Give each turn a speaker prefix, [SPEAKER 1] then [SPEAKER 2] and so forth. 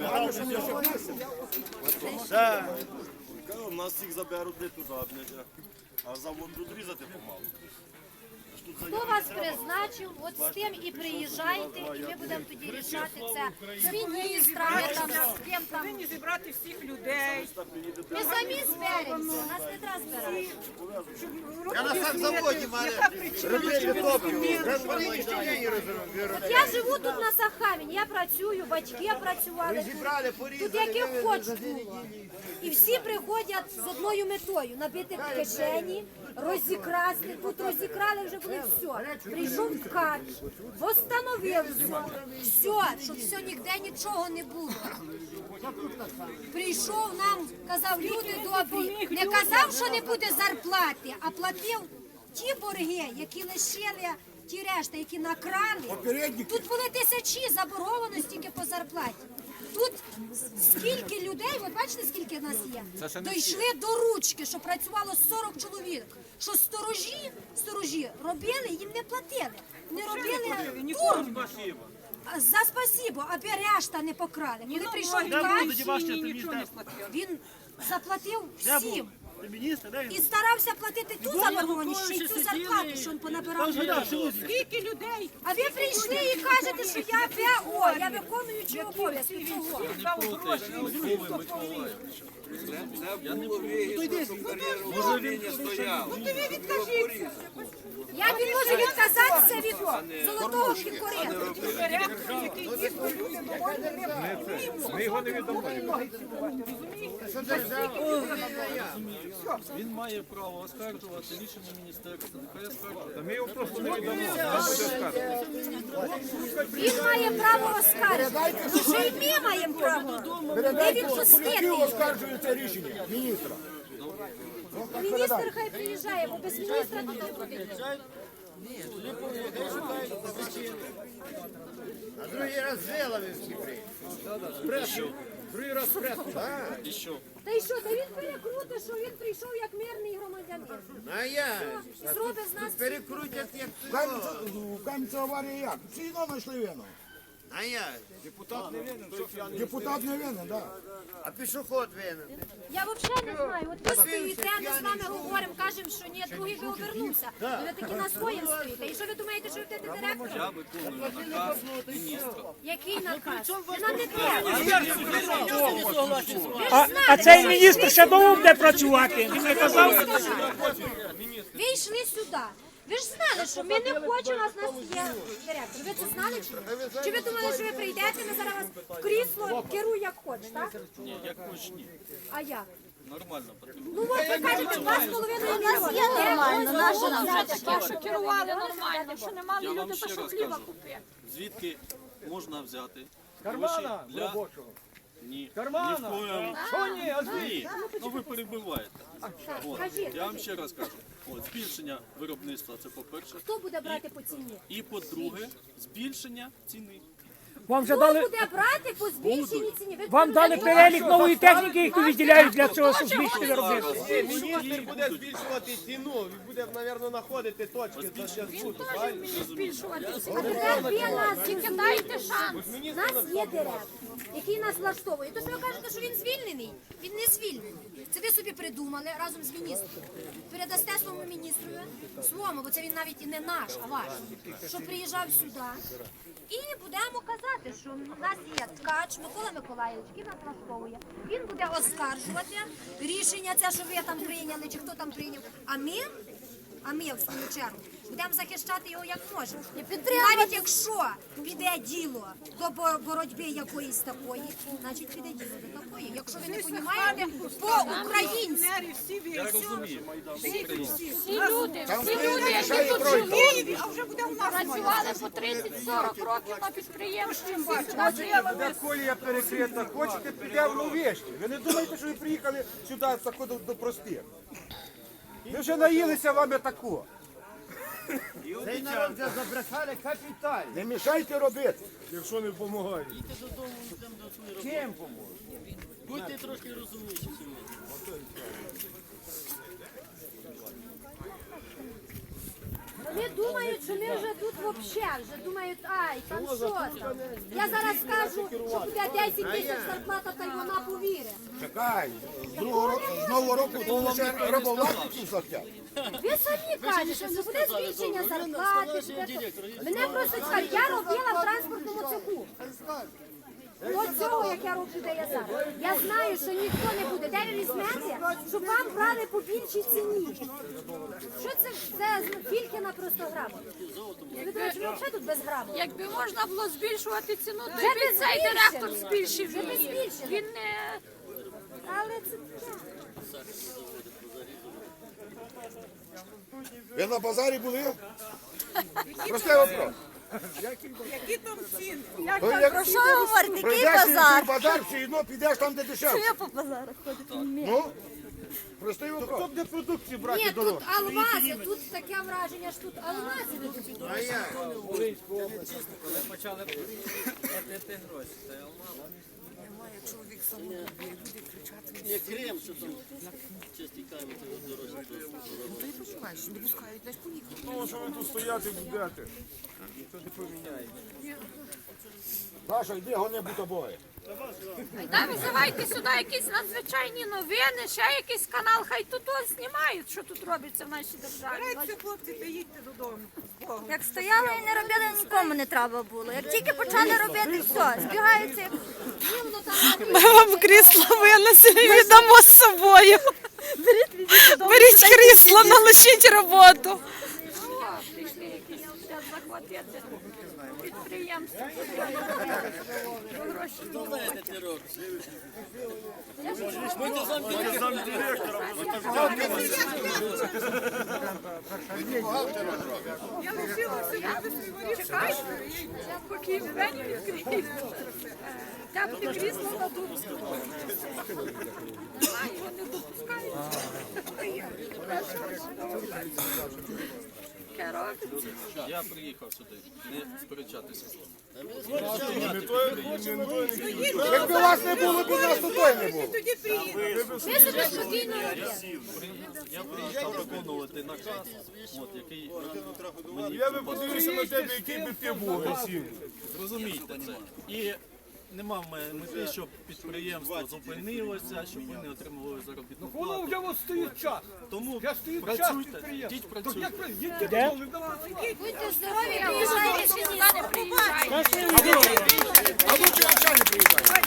[SPEAKER 1] Нас всіх заберуть не туди, а завод будуть різати помалу.
[SPEAKER 2] Хто вас призначив, от з тим і приїжджайте, і ми будемо тоді рішати це з міністрами, там, з ким там.
[SPEAKER 3] Повинні зібрати всіх людей.
[SPEAKER 2] Ми самі зберемося, нас не треба збирати.
[SPEAKER 4] Я на сахзаводі,
[SPEAKER 3] Яка причина?
[SPEAKER 2] От я живу тут на Сахавіні, я працюю, батьки працювали тут яких хоч було. І всі приходять з одною метою – набити кишені, розікрасти. Тут розікрали вже були все. Прийшов ткач, восстановив все, щоб все, ніде нічого не було. Прийшов нам, казав, люди добрі, не казав, що не буде зарплати, а платив ті борги, які лишили, ті решта, які накрали. Тут були тисячі заборгованості тільки по зарплаті. Тут скільки людей, от бачите, скільки нас є, дійшли до ручки, що працювало 40 чоловік, що сторожі робили, їм не платили. Не робили дурно. За спасибо, аби решта не покрали. Коли прийшов ткач, він заплатив всім. І старався платити ту заборгованість, ще й цю зарплату, що він понабирав.
[SPEAKER 3] Скільки людей?
[SPEAKER 2] А ви прийшли і кажете, що я ПО, я виконуючий обов'язки. Чого?
[SPEAKER 5] Я не буду, щоб кар'єру управління стояла.
[SPEAKER 2] Як він може відказатися від золотого кінкурента?
[SPEAKER 6] Ми його не віддамо.
[SPEAKER 7] Він має право оскаржувати рішення міністерства. Нехай оскаржує.
[SPEAKER 6] Ми його просто не віддамо. Нам буде оскаржувати.
[SPEAKER 2] Він має право оскаржувати. Вже й ми маємо право. Не відпустити.
[SPEAKER 4] Оскаржується рішення міністра.
[SPEAKER 2] Міністр хай приїжджає, бо без міністра тут не буде.
[SPEAKER 4] А другий раз Желовинський приїхав. Другий раз пресу.
[SPEAKER 7] І що?
[SPEAKER 2] Та й що, та він перекрутить, що він прийшов як мирний громадянин.
[SPEAKER 4] А я?
[SPEAKER 2] Зробить з нас...
[SPEAKER 4] Перекрутять як
[SPEAKER 8] В Кам'янці аварії як? Всі одно знайшли вину.
[SPEAKER 4] А я?
[SPEAKER 8] Депутат не винен, так.
[SPEAKER 4] А пішоход винен.
[SPEAKER 2] Я взагалі не знаю. От ви стоїте, ми з вами говоримо, кажемо, що ні, другий би обернувся. Ви такі на своєму стоїте. І що ви думаєте, що ви будете директором?
[SPEAKER 7] Я виконую наказ міністра.
[SPEAKER 2] Який наказ? Ви нам не треба.
[SPEAKER 9] А цей міністр ще довго буде працювати. Він не казав.
[SPEAKER 2] Ви йшли сюди. Ви ж знали, що ми не хочемо, у нас є директор. Ви це знали чи ні? Чи ви думали, що ви прийдете, ми зараз вас в крісло керуй як хочеш, так?
[SPEAKER 7] Ні, як хоч ні.
[SPEAKER 2] А як?
[SPEAKER 7] Нормально потрібно.
[SPEAKER 2] Ну от ви кажете, 2,5 мільйони.
[SPEAKER 3] Є нормально, наша нам вже таке, що керували нормально, що не мали
[SPEAKER 7] Я вам
[SPEAKER 3] люди,
[SPEAKER 7] ще
[SPEAKER 3] то що
[SPEAKER 7] раз
[SPEAKER 3] хліба
[SPEAKER 7] кажу,
[SPEAKER 3] купити.
[SPEAKER 7] звідки можна взяти
[SPEAKER 6] Кармана
[SPEAKER 7] для...
[SPEAKER 6] робочого.
[SPEAKER 7] Ні.
[SPEAKER 6] Кармана.
[SPEAKER 7] Ні в коєму.
[SPEAKER 6] Що ні? А
[SPEAKER 7] Ні. Ну ви перебиваєте. От. Я вам ще раз кажу. От, збільшення виробництва – це по-перше.
[SPEAKER 2] Хто буде брати по ціні?
[SPEAKER 7] І по-друге, збільшення ціни.
[SPEAKER 9] Вам вже
[SPEAKER 2] Хто
[SPEAKER 9] дали,
[SPEAKER 2] буде брати по збільшенні ціні? Ви
[SPEAKER 9] вам дали перелік нової техніки, яку виділяють для цього, щоб збільшити виробництво.
[SPEAKER 1] Міністр буде збільшувати ціну, він буде, мабуть, знаходити точки за зв'язку.
[SPEAKER 2] А тепер ви нас, тільки дайте шанс. У нас є директор, який нас влаштовує. То що ви кажете, що він звільнений? Він не звільнений. Це ви собі придумали разом з міністром. Передасте своєму міністру, своєму, бо це він навіть і не наш, а ваш, що приїжджав сюди. І будемо казати, що в нас є ткач Микола Миколаївич, який нас влаштовує. Він буде оскаржувати рішення, це, що ви там прийняли, чи хто там прийняв. А ми, в свою чергу, будемо захищати його як можемо. Навіть якщо піде діло до боротьби якоїсь такої, значить піде діло до такої. Якщо ви не розумієте, по-українськи.
[SPEAKER 7] Я розумію.
[SPEAKER 3] Всі люди, які тут живуть, а вже буде у нас працювали по 30-40 років на підприємстві.
[SPEAKER 6] Де колія перекрита, хочете підемо в Новішні. Ви не думаєте, що ви приїхали сюди до простих? Ви вже наїлися вами таку.
[SPEAKER 4] Цей народ вже забрехали капітально.
[SPEAKER 8] Не мішайте робити.
[SPEAKER 1] Якщо не допомагає.
[SPEAKER 6] Чим поможе?
[SPEAKER 7] Будьте трошки розумніші.
[SPEAKER 2] Вони думають, що ми вже тут взагалі, вже думають, ай, там що там. Я зараз скажу, що буде 10 тисяч зарплата, та й вона повірить.
[SPEAKER 8] Чекай, з нового року то ще рабовласників захотять.
[SPEAKER 2] Ви самі кажете, що буде збільшення зарплати. Мене просто цікавить, я робила в транспортному цеху. До цього, як я роблю, де я зараз. Я знаю, що ніхто не буде. Де ви візьмете, щоб вам брали по більшій ціні. Що це? Це Фількіна просто грамота. Ви думаєте, що ми взагалі тут без грамоти?
[SPEAKER 3] Якби можна було збільшувати ціну, то
[SPEAKER 2] Вже
[SPEAKER 3] й
[SPEAKER 2] би
[SPEAKER 3] цей
[SPEAKER 2] збільшили.
[SPEAKER 3] директор збільшив
[SPEAKER 2] Вже би
[SPEAKER 3] її.
[SPEAKER 2] збільшили.
[SPEAKER 3] Він не...
[SPEAKER 2] Але це таке.
[SPEAKER 8] Ви на базарі були? Простий вопрос.
[SPEAKER 10] Про що ви говорите? Який
[SPEAKER 8] Прийдеш на
[SPEAKER 10] базар?
[SPEAKER 8] цей базар, все одно підеш там, де
[SPEAKER 10] Що
[SPEAKER 8] дешевше.
[SPEAKER 10] я по базарах ходити?
[SPEAKER 8] Ну, простий
[SPEAKER 6] Хто
[SPEAKER 8] вопрос.
[SPEAKER 6] буде продукції брати
[SPEAKER 2] Ні,
[SPEAKER 6] дорого?
[SPEAKER 2] тут алмази, тут таке враження, що тут алмази будуть.
[SPEAKER 5] Почали платити гроші.
[SPEAKER 1] Не Крим, що там чисті камінь, це дорожче.
[SPEAKER 6] Ну, що ви тут стояти будете?
[SPEAKER 8] Саша, йди, гони бутобої.
[SPEAKER 3] Та визивайте сюди якісь надзвичайні новини, ще якийсь канал, хай тут ось знімають, що тут робиться в нашій державі.
[SPEAKER 10] Як стояли і не робили, нікому не треба було. Як тільки почали робити, все, збігаються. як-
[SPEAKER 11] Ми вам крісло винесли, віддамо з собою. Беріть крісло, налишіть роботу.
[SPEAKER 3] О, прийшли якісь зараз захватити підприємство. Гроші.
[SPEAKER 1] Знаєте, ти робиш?
[SPEAKER 3] Чекай, я поки двері відкрию. Там ті крісло дадуть. А, його не допускають. Керовці.
[SPEAKER 7] Я приїхав сюди, не сперечатися з вами.
[SPEAKER 8] Якби вас не було, б у нас тут той не було.
[SPEAKER 2] Ви собі спокійно робите.
[SPEAKER 7] Я приїхав виконувати наказ, який мені
[SPEAKER 6] Я би подивився на тебе, який би ти був агресивний.
[SPEAKER 7] зрозумійте це. І нема в мене мети, щоб підприємство зупинилося, щоб ви не отримували заробітну
[SPEAKER 6] Воно
[SPEAKER 7] плату.
[SPEAKER 6] вже от стоїть час.
[SPEAKER 7] Тому
[SPEAKER 6] Я стоїть час
[SPEAKER 7] працюйте,
[SPEAKER 6] підприємства.
[SPEAKER 7] йдіть
[SPEAKER 6] Так
[SPEAKER 7] працюйте.
[SPEAKER 6] як ви, їдьте додому, давайте.
[SPEAKER 2] Будьте здорові, приїжджайте сюди, не приїжджайте.
[SPEAKER 8] А лучше взагалі не приїжджайте.